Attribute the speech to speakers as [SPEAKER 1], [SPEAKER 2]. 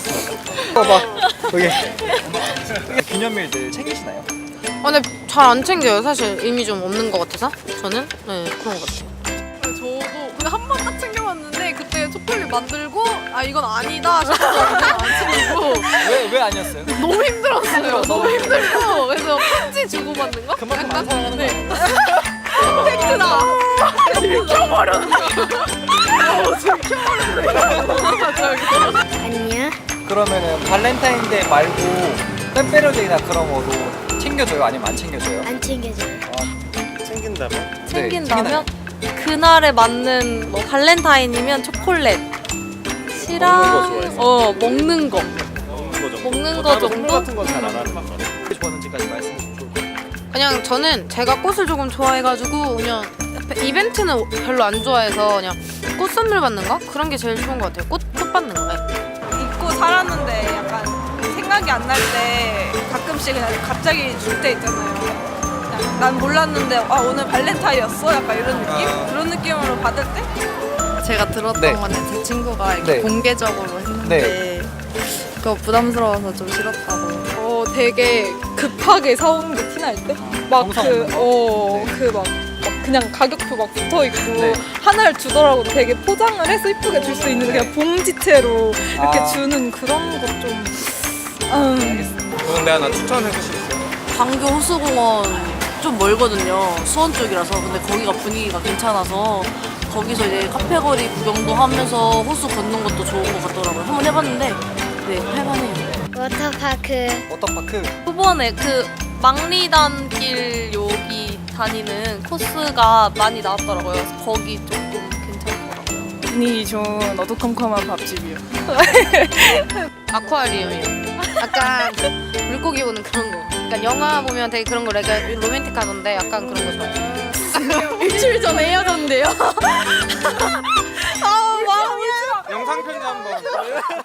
[SPEAKER 1] 알겠습니다. 봐봐. 여기. 기념일들 챙기시나요?
[SPEAKER 2] 근데 잘 안 챙겨요. 사실 의미 좀 없는 것 같아서 저는 네 그런 것 같아요.
[SPEAKER 3] 저도 근데 한 번 딱 챙겨봤는데 그때 초콜릿 만들고 아 이건 아니다 싶어서 안 챙기고
[SPEAKER 1] 왜 아니었어요?
[SPEAKER 3] 너무 힘들었어요. 너무 힘들고 그래서 편지 주고 받는 거?
[SPEAKER 1] 그만큼 안 사랑하는 거 아니에요?
[SPEAKER 3] 팩트다. 들켜버렸네.
[SPEAKER 4] 아니야.
[SPEAKER 1] 그러면은 발렌타인데이 말고 팬페르데이나 그런 거도 챙겨줘요? 아니면 안 챙겨줘요?
[SPEAKER 4] 안 챙겨줘요.
[SPEAKER 5] 챙긴다면?
[SPEAKER 2] 챙긴다면 그날에 맞는 뭐 발렌타인이면 초콜릿
[SPEAKER 5] 먹는 거 좋아해서.
[SPEAKER 2] 먹는 거 먹는 거
[SPEAKER 5] 선물
[SPEAKER 2] 정도?
[SPEAKER 5] 같은 건 잘 안 하는 거 같아요.
[SPEAKER 1] 좋아하는지까지 말씀해 주시면 좋을 것 같아요.
[SPEAKER 2] 그냥 저는 제가 꽃을 조금 좋아해가지고 그냥 이벤트는 별로 안 좋아해서 그냥 꽃 선물 받는 거? 그런 게 제일 좋은 것 같아요. 꽃 받는 거. 네.
[SPEAKER 3] 잊고 살았는데 약간 생각이 안 날 때 가끔씩 그냥 갑자기 줄 때 있잖아요. 그냥 난 몰랐는데 아 오늘 발렌타인이었어? 약간 이런 느낌? 그런 느낌으로 받을 때?
[SPEAKER 6] 제가 들었던
[SPEAKER 1] 네.
[SPEAKER 6] 거는 제 친구가 이렇게
[SPEAKER 1] 네.
[SPEAKER 6] 공개적으로 했는데 그거 부담스러워서 좀 싫었다고.
[SPEAKER 3] 되게 급하게 사오는 게 티날 때? 막
[SPEAKER 1] 정성
[SPEAKER 3] 그,
[SPEAKER 1] 없는 거?
[SPEAKER 3] 막 그냥 가격표 막 붙어 있고
[SPEAKER 1] 네.
[SPEAKER 3] 하나를 주더라고 되게 포장을 해서 이쁘게 줄 수 있는 그냥 봉지채로 이렇게
[SPEAKER 1] 아.
[SPEAKER 3] 주는 그런 것 좀.
[SPEAKER 5] 그런데 하나 추천해 주실 수 있어요?
[SPEAKER 7] 광교 호수공원 좀 멀거든요. 수원 쪽이라서. 근데 거기가 분위기가 괜찮아서 거기서 이제 카페거리 구경도 하면서 호수 걷는 것도 좋은 것 같더라고요. 한번 해봤는데 네 할만해요.
[SPEAKER 4] 워터파크.
[SPEAKER 1] 워터파크.
[SPEAKER 2] 초반에 그 망리단길 여기 다니는 코스가 많이 나왔더라고요. 그래서 거기 조금 괜찮더라고요.
[SPEAKER 3] 분위기 좋은 어두컴컴한 밥집이요.
[SPEAKER 2] 아쿠아리움이요. 약간 물고기 보는 그런 거. 그러니까 영화 보면 되게 그런 거 되게 로맨틱하던데 약간 그런 거 좋아해요.
[SPEAKER 3] 일주일 전에 헤어졌는데요.
[SPEAKER 5] 영상 편지 한번.